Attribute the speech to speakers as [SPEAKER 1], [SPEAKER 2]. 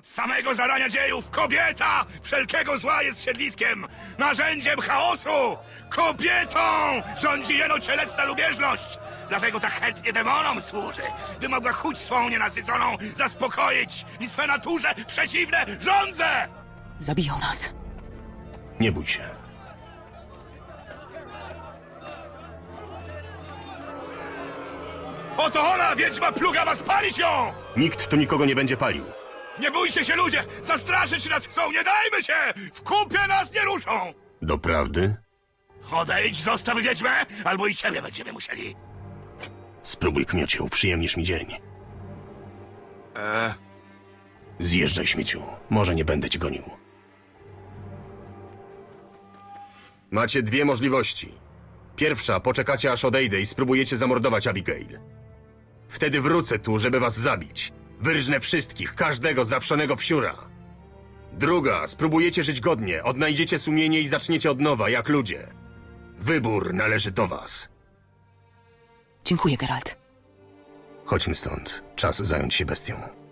[SPEAKER 1] Od samego zarania dziejów kobieta wszelkiego zła jest siedliskiem, narzędziem chaosu. Kobietą rządzi jeno cielesna lubieżność. Dlatego tak chętnie demonom służy, by mogła chuć swą nienasyconą zaspokoić i swe naturze przeciwne żądze.
[SPEAKER 2] Zabiją nas.
[SPEAKER 3] Nie bój się.
[SPEAKER 1] Oto ona, wiedźma plugawa, spalić ją!
[SPEAKER 3] Nikt tu nikogo nie będzie palił.
[SPEAKER 1] Nie bójcie się, ludzie! Zastraszyć nas chcą, nie dajmy się! W kupie nas nie ruszą!
[SPEAKER 3] Doprawdy?
[SPEAKER 1] Odejdź, zostaw wiedźmę, albo i ciebie będziemy musieli.
[SPEAKER 3] Spróbuj, kmiocie, uprzyjemnisz mi dzień. Zjeżdżaj, śmieciu. Może nie będę cię gonił. Macie dwie możliwości. Pierwsza, poczekacie aż odejdę i spróbujecie zamordować Abigail. Wtedy wrócę tu, żeby was zabić. Wyrżnę wszystkich, każdego zawszonego wsiura. Druga, spróbujecie żyć godnie, odnajdziecie sumienie i zaczniecie od nowa, jak ludzie. Wybór należy do was.
[SPEAKER 2] Dziękuję, Geralt.
[SPEAKER 3] Chodźmy stąd. Czas zająć się bestią.